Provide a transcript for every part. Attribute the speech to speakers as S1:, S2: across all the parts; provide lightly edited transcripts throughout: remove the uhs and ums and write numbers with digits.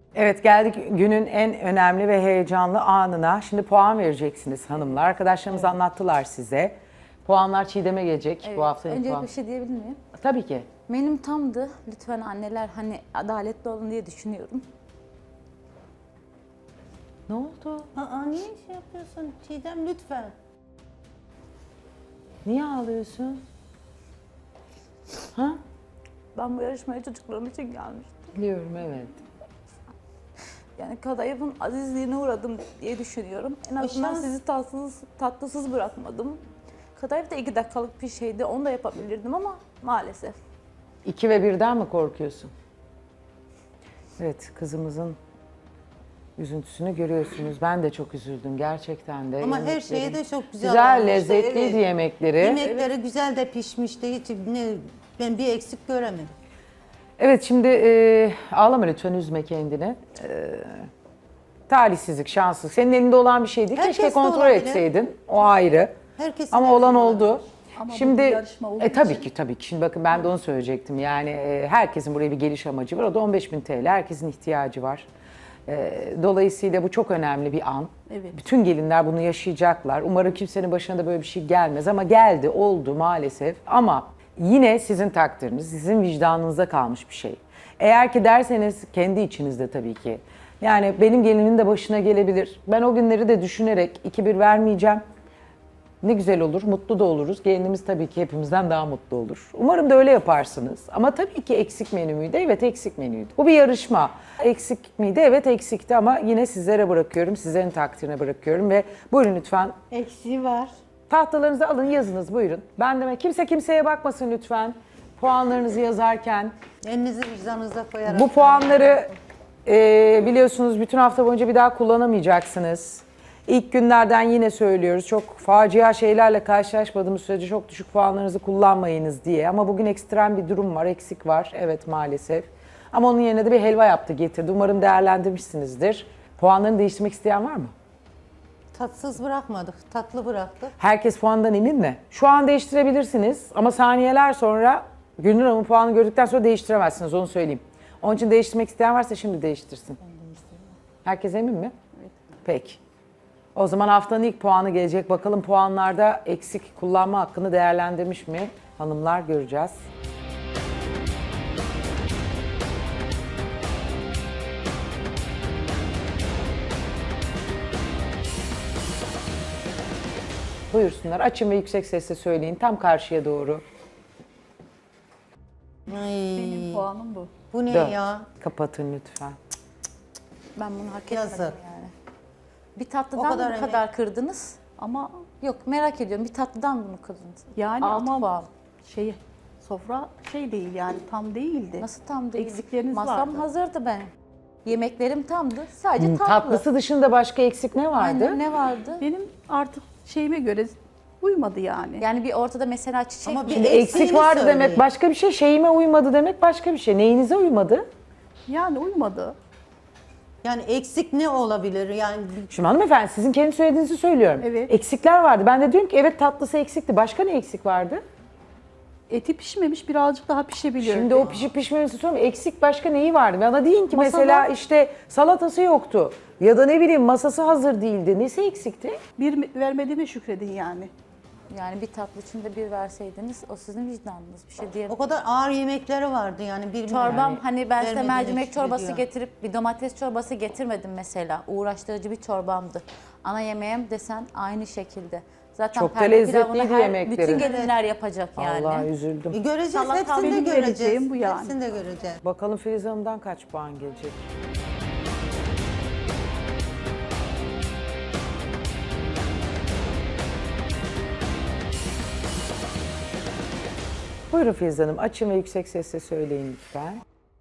S1: Evet, geldik günün en önemli ve heyecanlı anına. Şimdi puan vereceksiniz hanımlar. Arkadaşlarımız anlattılar size. Puanlar Çiğdem'e gelecek bu haftanın
S2: Öncelikle
S1: puanı.
S2: bir şey diyebilir miyim?
S1: Tabii ki.
S2: Menüm tamdı. Lütfen anneler hani adaletli olun diye düşünüyorum.
S1: Ne oldu?
S3: Aa, niye şey yapıyorsun Çiğdem lütfen.
S1: Niye ağlıyorsun? Ha?
S2: Ben bu yarışmaya çocuklarım için gelmiştim.
S1: Biliyorum, evet.
S2: Yani kadayıfın azizliğine uğradım diye düşünüyorum. En azından
S3: şans.
S2: sizi tatlısız bırakmadım. Kadayıf da 2 dakikalık bir şeydi. Onu da yapabilirdim ama maalesef.
S1: 2 ve 1'den mi korkuyorsun? Evet, kızımızın üzüntüsünü görüyorsunuz. Ben de çok üzüldüm gerçekten de.
S3: Ama her
S1: Yemekleri-
S3: şeyi de çok güzel
S1: Güzel,
S3: olmuştu,
S1: lezzetliydi
S3: evet.
S1: yemekleri.
S3: Yemekleri güzel de pişmişti. Hiç ben bir eksik göremedim.
S1: Evet, şimdi ağlama lütfen, üzme kendini. Talihsizlik, şanssızlık. Senin elinde olan bir şey değil.
S3: Herkes
S1: Keşke
S3: de
S1: kontrol
S3: olabilir.
S1: etseydin. O ayrı.
S3: Herkesin
S1: Ama
S3: elinde
S1: olan
S3: olabilir.
S1: oldu.
S4: Ama bu
S1: Şimdi
S4: bir yarışma olduğu
S1: tabii
S4: için-
S1: ki tabii ki. Şimdi bakın ben de onu söyleyecektim. Yani herkesin buraya bir geliş amacı var. O da 15.000 TL. Herkesin ihtiyacı var. Dolayısıyla bu çok önemli bir an.
S4: Evet.
S1: Bütün gelinler bunu yaşayacaklar. Umarım kimsenin başına da böyle bir şey gelmez ama geldi, oldu maalesef. Ama yine sizin takdiriniz, sizin vicdanınıza kalmış bir şey. Eğer ki derseniz kendi içinizde tabii ki. Yani benim gelinimin de başına gelebilir. Ben o günleri de düşünerek 2-1 vermeyeceğim. Ne güzel olur, mutlu da oluruz. Gelinimiz tabii ki hepimizden daha mutlu olur. Umarım da öyle yaparsınız. Ama tabii ki eksik menü müydü? Evet, eksik menüydü. Bu bir yarışma. Eksik miydi? Evet, eksikti ama yine sizlere bırakıyorum, sizlerin takdirine bırakıyorum ve buyurun lütfen.
S3: Eksiği var.
S1: Tahtalarınızı alın, yazınız buyurun. Ben de kimse kimseye bakmasın lütfen. Puanlarınızı yazarken.
S3: Elinizi vicdanınıza koyarak.
S1: Bu puanları biliyorsunuz bütün hafta boyunca bir daha kullanamayacaksınız. İlk günlerden yine söylüyoruz. Çok facia şeylerle karşılaşmadığımız sürece çok düşük puanlarınızı kullanmayınız diye. Ama bugün ekstrem bir durum var, eksik var. Evet, maalesef. Ama onun yerine de bir helva yaptı, getirdi. Umarım değerlendirmişsinizdir. Puanlarını değiştirmek isteyen var mı?
S3: Tatsız bırakmadık, tatlı bıraktık.
S1: Herkes puandan emin mi? Şu an değiştirebilirsiniz ama saniyeler sonra Gülnur Hanım'ın puanını gördükten sonra değiştiremezsiniz, onu söyleyeyim. Onun için değiştirmek isteyen varsa şimdi değiştirsin. Herkes emin mi? Evet. Peki. O zaman haftanın ilk puanı gelecek. Bakalım puanlarda eksik kullanma hakkını değerlendirmiş mi? Hanımlar, göreceğiz. Buyursunlar. Açın ve yüksek sesle söyleyin. Tam karşıya doğru.
S3: Ay,
S4: Benim puanım bu.
S3: bu ne
S1: 4.
S3: ya?
S1: Kapatın lütfen.
S2: Ben bunu hak
S3: Yazık.
S2: etmedim yani. Bir
S3: O
S2: tatlıdan
S3: kadar
S2: bu
S3: emek.
S2: kadar kırdınız.
S4: Ama
S2: Yok, merak ediyorum. Bir tatlıdan bunu kırdınız.
S4: yani
S2: 6
S4: ama
S2: puan.
S4: sofra değil yani tam değildi.
S2: Nasıl tam değil?
S4: Eksikleriniz
S2: Masam
S4: vardı.
S2: hazırdı benim. Yemeklerim tamdı. Sadece tatlı.
S1: Tatlısı dışında başka eksik ne vardı?
S2: Aynen, ne vardı?
S4: Benim artık şeyime göre uymadı yani.
S2: Yani bir ortada mesela çiçek
S3: Ama bir
S1: Şimdi
S3: eksiğini
S1: eksik vardı
S3: söyleyin.
S1: demek başka bir şey, şeyime uymadı demek başka bir şey. Neyinize uymadı?
S4: Yani uymadı.
S3: Yani eksik ne olabilir? Yani
S1: Şimdi hanımefendi sizin kendi söylediğinizi söylüyorum.
S4: Evet.
S1: Eksikler vardı. Ben de diyorum ki evet tatlısı eksikti. Başka ne eksik vardı?
S4: Eti pişmemiş, birazcık daha pişebilir.
S1: Şimdi o pişip pişmemesi sormuyorum. Eksik başka neyi vardı? Bana deyin ki
S4: Masada-
S1: mesela işte salatası yoktu. Ya da ne bileyim masası hazır değildi. Nesi eksikti?
S4: bir vermediğime şükredin yani.
S2: Yani bir tatlı için de bir verseydiniz o sizin vicdanınız, bir şey diyemem.
S3: o kadar ağır yemekleri vardı yani. Bir
S2: Çorbam hani ben size
S3: vermediğine
S2: mercimek çorbası
S3: şükrediyor.
S2: getirip bir domates çorbası getirmedim mesela. Uğraştırıcı bir çorbamdı. Ana yemeğim desen aynı şekilde. Zaten
S1: Çok da
S2: perde
S1: lezzetliydi
S2: pilavını
S1: yemekleri.
S2: bütün gelinler yapacak yani.
S1: Allah üzüldüm.
S3: Göreceğiz,
S2: Salata
S3: hepsini de
S4: benim
S3: göreceğiz.
S4: vereceğim bu yani.
S3: Hepsini de göreceğiz.
S1: Bakalım Filiz Hanım'dan kaç puan gelecek? Buyurun Filiz Hanım. Açın ve yüksek sesle söyleyin lütfen.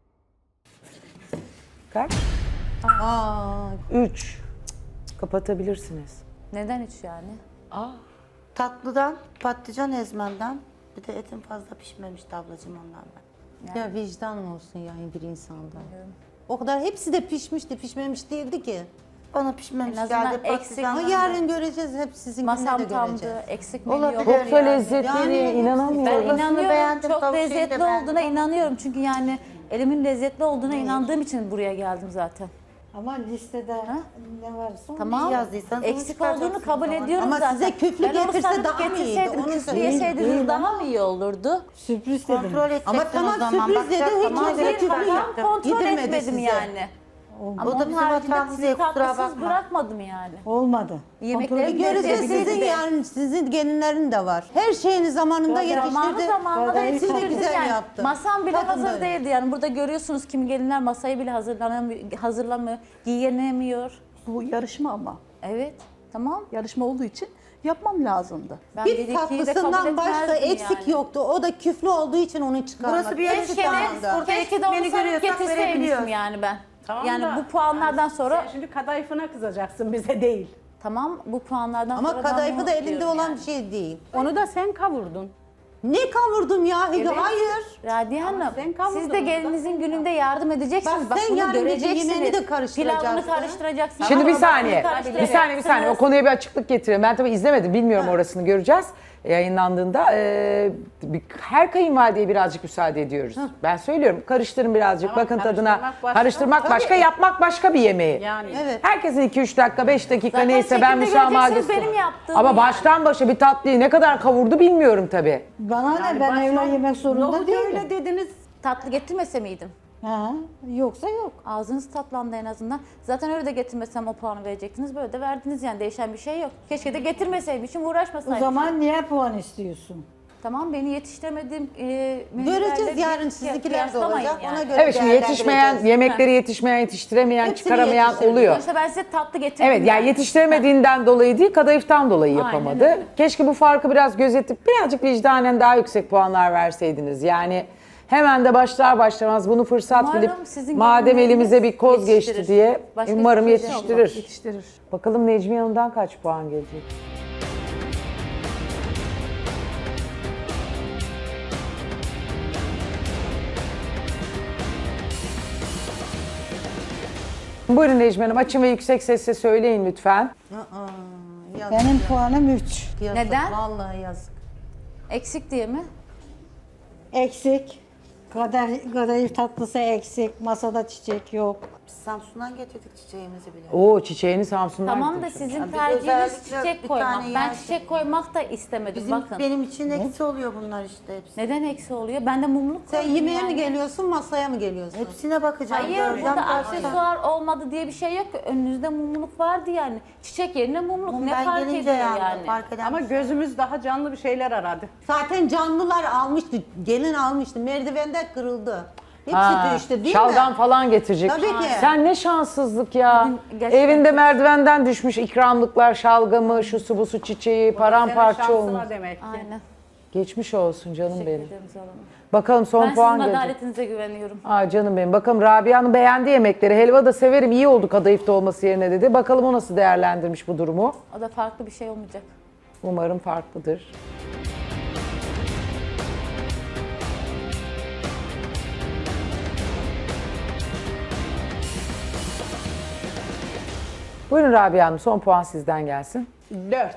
S1: Kaç?
S3: Aa,
S1: 3. Kapatabilirsiniz.
S2: Neden üç yani?
S5: Tatlıdan, patlıcan ezmemden, bir de etin fazla pişmemişti ablacığım ondan ben.
S3: ya vicdan olsun yani bir insanda. O kadar hepsi de pişmişti, pişmemiş değildi ki.
S5: Bana pişmemiş
S2: En azından
S5: geldi
S2: eksik-
S3: Ama
S5: patlıcandan.
S3: yarın göreceğiz, hep sizinkini de
S2: Masam
S3: göreceğiz.
S2: tamdı, eksik menü
S5: Olabilir.
S2: yok.
S1: Çok da
S5: Yani.
S1: lezzetliydi.
S3: Yani-
S2: Ben
S1: inanamıyorum.
S5: Çorbasını
S2: inanıyorum,
S5: beğendim,
S2: çok
S5: tavuk şeyini de
S2: lezzetli
S5: beğendim.
S2: olduğuna inanıyorum. Çünkü yani Elimin lezzetli olduğuna inandığım için buraya geldim zaten.
S6: Ama listede ne varsa onu
S2: Tamam.
S5: yazdıysanız onu
S2: Eksik
S5: çıkaracaksınız
S2: olduğunu kabul
S5: o zaman.
S2: ediyorum
S3: Ama
S2: zaten.
S3: size küflü
S2: Ben onu
S3: getirse
S2: satıp
S3: daha mı iyiydi?
S2: getirseydim,
S3: Onu
S2: küflü
S3: söyleyeyim.
S2: yeseydiniz
S6: Değil
S2: daha
S6: ama.
S2: mı iyi olurdu?
S6: sürpriz dedim.
S5: Kontrol edeceksin
S3: Ama tamam
S5: o zaman.
S3: sürpriz dedi,
S5: Bakacaksın.
S3: hiç
S5: Tamam,
S3: kimse
S5: evet,
S3: küfür
S5: ben
S3: yok.
S5: yaptım.
S2: Kontrol
S3: Yedirmedi
S2: etmedim
S3: size.
S2: yani. Ama
S5: O da
S2: onun
S5: bizim
S2: haricinde
S5: hatamız
S2: sizi
S5: değil, kusura
S2: tatlısız
S5: bakma.
S2: bırakmadım yani.
S6: Olmadı.
S2: Yemeklerim
S3: Göreceğiz
S2: lezzetli
S3: sizin
S2: de.
S3: yani sizin gelinlerin de var. Her şeyini zamanında
S2: Zamanı
S3: yetiştirdi.
S2: zamanında da
S6: Gayet
S2: yetiştirdim
S3: güzel
S2: yani.
S3: yaptı.
S2: Masam bile
S3: Bakın
S2: hazır
S3: böyle.
S2: değildi yani. Burada görüyorsunuz kimi gelinler masayı bile hazırlamıyor, giyenemiyor.
S4: Bu yarışma ama.
S2: Evet, tamam.
S4: Yarışma olduğu için yapmam lazımdı.
S2: Ben
S3: Bir
S2: ikiyi de kabul
S3: tatlısından başka
S2: etmezdim
S3: eksik
S2: yani.
S3: yoktu. O da küflü olduğu için onu çıkarmadı.
S5: Burası bir yarışma.
S2: Keşke de,
S5: Burada
S2: keşke de onu
S5: eksiklerini
S2: salıp
S5: görüyorsak
S2: getirseymişim
S5: verebiliyoruz.
S2: yani ben.
S7: Tamam
S2: yani
S7: da-
S2: bu puanlardan sonra
S7: Sen şimdi kadayıfına kızacaksın, bize değil.
S2: tamam bu puanlardan
S3: Ama
S2: sonra ben
S3: kadayıfı
S2: bunu
S3: da elinde
S2: diyorum
S3: olan
S2: yani.
S3: bir şey değil.
S7: Onu da sen kavurdun.
S3: Ne kavurdum ya? Hayır.
S2: Radiye Hanım,
S7: sen kavurdun
S2: siz de gelinizin gününde yardım edeceksiniz.
S3: Bak, sen
S2: bunu
S3: yarın gece
S2: göreceksiniz.
S3: yemeğini de karıştıracaksın.
S2: Pilavını karıştıracaksınız.
S1: Şimdi bir
S2: Çorbasını
S1: saniye, bir saniye. O konuya bir açıklık getirelim. Ben tabii izlemedim, bilmiyorum orasını göreceğiz yayınlandığında. Her kayınvalideye birazcık müsaade ediyoruz. Ben söylüyorum, karıştırın birazcık,
S7: Tamam,
S1: bakın tadına.
S7: karıştırmak başka.
S1: Karıştırmak başka, yapmak başka bir yemeği.
S7: Yani
S3: Evet.
S1: Herkesin 2-3 dakika, 5 dakika
S2: Zaten
S1: neyse ben
S2: şekilde
S1: müsamaha
S2: göreceksiniz
S1: gösteririm.
S2: benim yaptığımı
S1: Ama
S2: yani.
S1: baştan başa bir tatlıyı ne kadar kavurdu bilmiyorum tabii.
S6: Bana ne
S7: yani
S6: ben
S7: baştan
S6: evlen yemek zorunda
S7: nohut
S6: değilim.
S7: öyle dediniz.
S2: Tatlı getirmese miydim?
S6: Ha, yoksa yok.
S2: Ağzınız tatlandı en azından. Zaten öyle de getirmesem o puanı verecektiniz. Böyle de verdiniz yani. Değişen bir şey yok. Keşke de getirmeseymişim,
S6: O
S2: uğraşmasaymışım.
S6: zaman niye puan istiyorsun?
S2: Tamam, beni yetiştiremediğim
S3: Göreceğiz yarın sizinkiler de olacak. Ona göre
S1: Evet, şimdi yetişmeyen,
S3: değerlendireceğiz.
S1: yemekleri yetişmeyen, yetiştiremeyen,
S3: Hepsini
S1: çıkaramayan
S3: yetiştirdim.
S1: oluyor.
S2: Sonuçta ben size tatlı getirdim.
S1: Evet, yani yetiştiremediğinden dolayı değil, kadayıftan dolayı
S2: Aynen
S1: yapamadı.
S2: öyle.
S1: Keşke bu farkı biraz gözetip birazcık vicdanen daha yüksek puanlar verseydiniz. Yani hemen de başlar başlamaz bunu fırsat
S2: Umarım
S1: bilip
S2: sizin
S1: madem
S2: gelinleriniz
S1: elimize bir koz geçti
S2: yetiştirir.
S1: diye
S2: Başka
S1: umarım
S2: hiçbir şey yok.
S1: yetiştirir.
S4: Yetiştirir.
S1: Bakalım Necmiye Hanım'dan kaç puan gelecek? Buyurun Necmiye Hanım, açın ve yüksek sesle söyleyin lütfen.
S3: Yazık
S6: Benim
S3: ya,
S6: puanım 3.
S3: yazık.
S2: Neden?
S3: Vallahi yazık.
S2: Eksik diye mi?
S6: Eksik. Kadayıf tatlısı eksik. Masada çiçek yok.
S5: Biz Samsun'dan getirdik çiçeğimizi bile.
S1: Oo, çiçeğini Samsun'dan
S2: Tamam da
S1: getirmiş.
S2: sizin
S5: Ya biz
S2: tercihiniz
S5: özellikle
S2: çiçek
S5: bir
S2: koymak.
S5: tane
S2: Ben
S5: yer-
S2: çiçek koymak da istemedim. Bakın.
S5: Benim için eksi oluyor bunlar işte hepsi.
S2: Neden eksi oluyor? Ben de mumluk
S3: Sen
S2: koydum
S3: yemeğe
S2: yani.
S3: mi geliyorsun, masaya mı geliyorsun?
S5: Hepsine bakacağım.
S2: Hayır,
S5: göreceğim
S2: burada
S5: dersen.
S2: aksesuar olmadı diye bir şey yok. Önünüzde mumluk vardı yani. Çiçek yerine mumluk.
S5: Bunu
S2: Ne
S5: ben
S2: fark
S5: gelince
S2: ediyor
S5: yani.
S2: yani?
S5: Fark eden
S7: Ama gözümüz daha canlı bir şeyler aradı.
S3: Zaten canlılar almıştı, gelin almıştı, merdivende kırıldı. Hepsi
S1: Ha,
S3: düştü değil
S1: şalgam
S3: mi?
S1: falan getirecek.
S3: Tabii ki.
S1: Sen ne şanssızlık ya.
S2: gerçekten
S1: Evinde
S2: çok-
S1: merdivenden düşmüş ikramlıklar, şalgamı, şu su bu su çiçeği, paramparça
S7: Senin
S1: olmuş.
S7: şansına demek ki.
S2: Aynen.
S1: Geçmiş olsun canım
S2: Teşekkür
S1: benim.
S2: ederim Zoran Hanım.
S1: Bakalım son
S2: Ben
S1: puan
S2: sizin
S1: gelecek.
S2: adaletinize güveniyorum.
S1: Aa canım benim. Bakalım Rabia'nın beğendiği yemekleri. Helva da severim, iyi oldu kadayıfta olması yerine dedi. Bakalım o nasıl değerlendirmiş bu durumu.
S2: O da farklı bir şey olmayacak.
S1: Umarım farklıdır. Buyurun Rabia Hanım, son puan sizden gelsin.
S7: 4.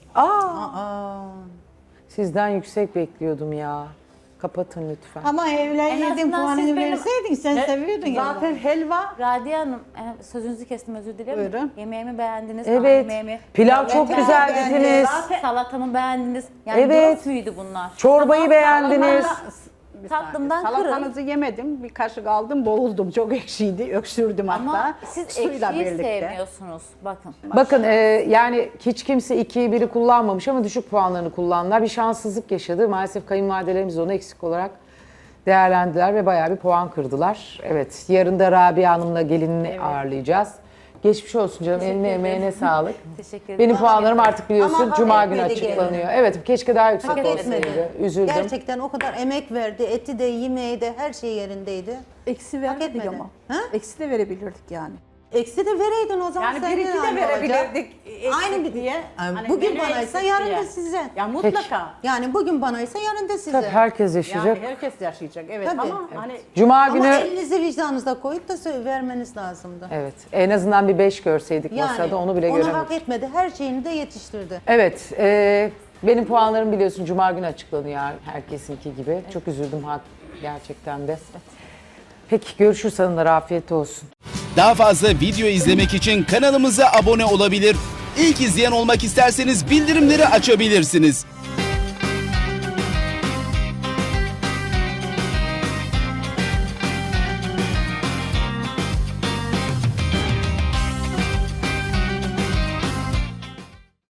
S1: Sizden yüksek bekliyordum ya. Kapatın lütfen.
S6: Ama evlen
S2: En
S6: yedin
S2: azından siz
S6: puanını
S2: benim-
S6: verseydin sen seviyordun ya.
S7: Zaten helva
S2: Radiye Hanım, sözünüzü kestim, özür dilerim.
S7: Buyurun.
S2: Yemeğimi beğendiniz,
S1: Evet.
S2: ana yemeğimi.
S1: Pilav çok
S2: Pilavı
S1: güzel
S2: beğendiniz,
S1: dediniz.
S2: Salatamı beğendiniz. Yani
S1: Evet.
S2: dört müydü bunlar?
S1: Çorbayı beğendiniz.
S7: Bir
S2: Tatlımdan
S7: saniye. Salatanızı yemedim. Bir kaşık aldım, boğuldum. Çok ekşiydi. Öksürdüm
S2: Ama
S7: hatta.
S2: siz
S7: Suyla
S2: ekşiyi
S7: birlikte.
S2: sevmiyorsunuz. Bakın.
S1: Bakın yani hiç kimse 2'yi 1'i kullanmamış ama düşük puanlarını kullandılar. Bir şanssızlık yaşadı. Maalesef kayınvalidelerimiz onu eksik olarak değerlendiler ve bayağı bir puan kırdılar. Evet, yarın da Rabia Hanım'la gelinini ağırlayacağız. Geçmiş olsun canım, eline emeğine sağlık.
S2: Teşekkür ederim.
S1: Benim puanlarım artık biliyorsun
S3: Ama hak
S1: Cuma günü
S3: etmedi
S1: açıklanıyor. Evet, keşke daha yüksek
S3: Hak
S1: olsaydı.
S3: etmedi.
S1: Üzüldüm.
S3: Gerçekten o kadar emek verdi. Eti de, yemeği de, her şey yerindeydi.
S4: Eksi
S3: Hak
S4: vermedik
S3: etmedi.
S4: ama.
S3: Ha?
S4: Eksi de verebilirdik yani.
S3: Eksi de vereydin o zaman.
S7: Yani
S3: senin
S7: bir iki de
S3: aynı olacak.
S7: verebilirdik.
S3: Aynı bir
S7: diye.
S3: Yani bugün banaysa yarın da size.
S7: Ya mutlaka.
S3: Yani bugün banaysa yarın da size.
S1: Tabii herkes yaşayacak.
S7: Yani herkes yaşayacak. Evet
S3: Tabii.
S7: ama hani
S1: Cuma
S3: Ama
S1: günü
S3: elinizi vicdanınızda koyup da vermeniz lazımdı.
S1: evet, en azından bir 5 görseydik masada onu bile
S3: onu
S1: göremedik.
S3: hak etmedi. Her şeyini de yetiştirdi.
S1: Evet, benim puanlarım biliyorsun Cuma günü açıklanıyor herkesinki gibi. Çok üzüldüm gerçekten de. Peki görüşürüz hanımlar, afiyet olsun.
S8: Daha fazla video izlemek için kanalımıza abone olabilir. İlk izleyen olmak isterseniz bildirimleri açabilirsiniz.